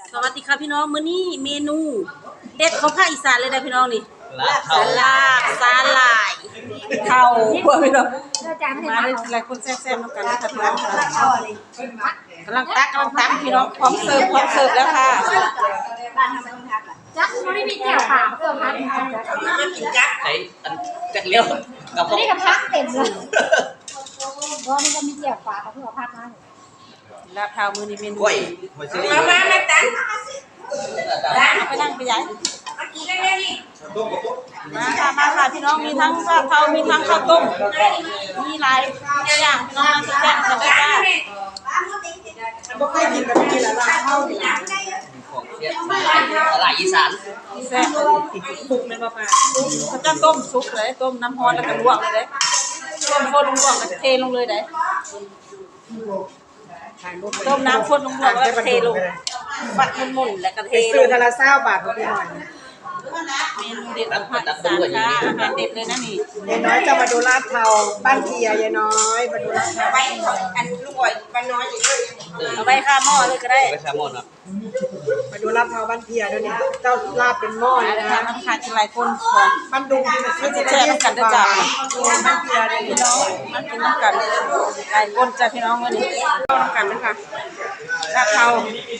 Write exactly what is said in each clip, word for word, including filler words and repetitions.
สวัสดีค่ะพี่น้องมื้อนี้เมนูเด็ดของภาคอีสานเลยนะพี่น้องนี่ลาบสาลาบสาหร่ายเข่าพวกพี่น้องมาเลยหลายคนแซ่บๆน้ำกันนะคะพี่น้องกำลังตักกำลังตักพี่น้องพร้อมเสิร์ฟพร้อมเสิร์ฟแล้วค่ะจักมันไม่มีแก้วเปล่าเพิ่มพักใช้จักเลี้ยวกับพวกนี่กับพักเต็มเลยเพราะมันจะมีแก้วเปล่ากับเพื่อพักนะลาบเท้ามื้อนี้เมนูกล้วยมามามาตันไปนั่งไปย้ายมาค่ะมาค่ะพี่น้องมีทั้งลาบเท้ามีทั้งข้าวต้มมีหลายอย่างพี่น้องมาแซ่บๆกันได้จ้าบ่เคยกินแบบนี้แล้วลาบเท้านี่ล่ะของเสียตลาดอีสานแซ่บปลุกแม่นบ่ป้าเขาจะต้มสุกเลยต้มน้ำร้อนแล้วก็ลวกเลยเด้ต้มข้นลวกแล้วก็เทลงเลยเด้ต้มน้ำข้นลงลวกแล้วก็เทลงบัดมุนๆแล้วก็เทซื้อทะละเศร้าบาทพี่หน่อยเมนูเด็ดของภาคอีสานค่ะอาหารเด็ดเลยนะนี่ยายน้อยจะมาดูลาดเทาบ้านเทียยายน้อยมาดูลาดเทาไว้อันลูกอ่อยบ้านน้อยอยู่ด้วยเอาไว้ข้าหม้อเลยก็ได้ไปแซลมอนอ่ะมาดูลาดเทาบ้านเทียด้วยเนี่ยเจ้าลาบเป็นหม้อเลยนะน้ำขาดหลายคนบ้านดุงไม่จะแช่น้ำกันจ้าบ้านเทียเลยพี่น้องมันกินน้ำกันหลายคนจ้าพี่น้องวันนี้เข้าน้ำกันนะคะลาบเทา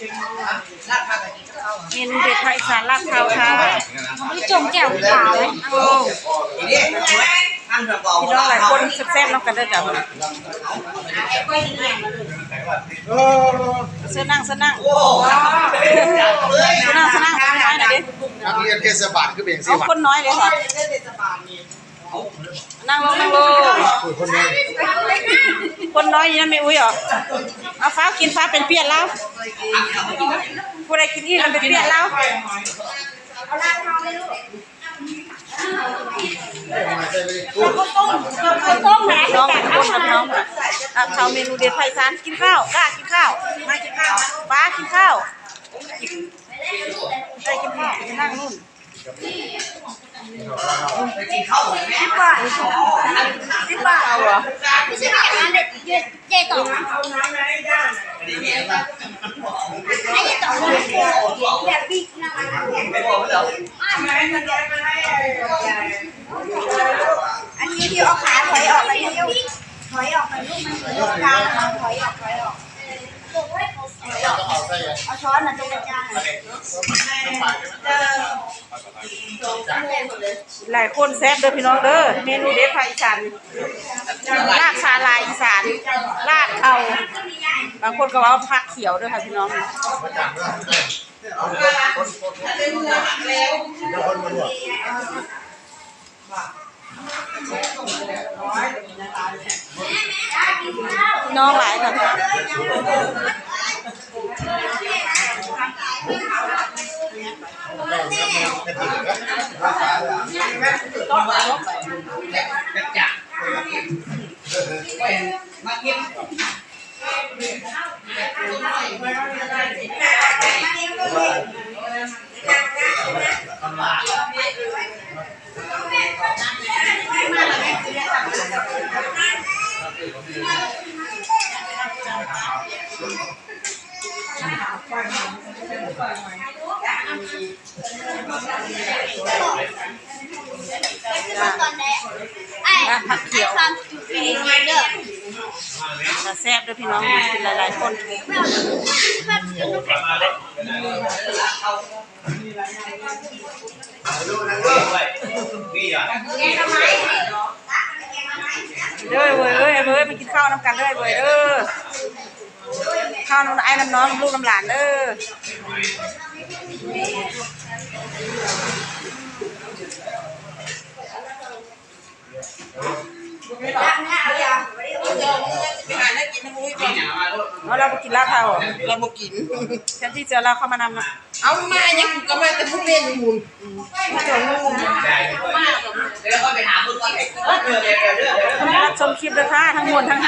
เมนูเด็ดภาคอีสานลาบเทาค่ะมันจมแก้วเปล่าเลยโอ้พี่น้องหลายคนแซ่บๆน้ำกันได้จ้าโอ้เสื้อนั่งเสื้อนั่งเสื้อนั่งเสื้อนั่งคนน้อยหน่อยดินักเรียนเทศบาลก็เป็นสิเอาคนน้อยเลยค่ะนั่งลงนั่งลงคนน้อยคนน้อยยังไม่อุ้ยหรอเอาฟ้ากินฟ้าเป็นเปียกแล้วผู้ใดกินอีกมันเป็นเปียกแล้วเอาลาบเทาเลยลูกข้าวต้มนะน้องคนกับน้องค่ะลาบเทาเมนูเด็ดไพศาลกินข้าวกล้ากินข้าวมากินข้าวฟ้ากินข้าวใครกินข้าวจะนั่งนู่นสิบบาทสิบบาทเอาเหรอเจ๊ต่อไอ้ต่อแบบบิ๊กนะอันนี้ที่เอาขาถอยออกไปเร็วถอยออกไปลูกมันเหมือนลูกกลางถอยออกถอยออกเอาช้อนน่ะตรงกลางหลายคนแซ่บเด้อพี่น้องเด้อเมนูเด็ดภาคอีสานลาบสาหร่ายอีสานลาบเทาบางคนก็ว่าผักเขียวด้วยค่ะพี่น้องน้องหลายค่ะจักมาเก็บผักเขียวจะแซ่บด้วยพี่น้องกินหลายๆคนเด้อเว้ยเอ้ยเว้ยไปกินข้าวน้ำกันเด้อเว้ยเด้อข้าวน้ำไอ้น้ำน้องลูกน้ำหลานเด้อเราเราไปกินลาบเทาเราไปกินฉันที่เจอเราเข้ามานำนะเอามาเนี่ยก็มาแต่พวกเล่นมูลแล้วก็ไปหาคนก่อนเออเดี๋ยวเดี๋ยวเดี๋ยวรับชมคลิปเลยค่ะทั้งหมดทั้ง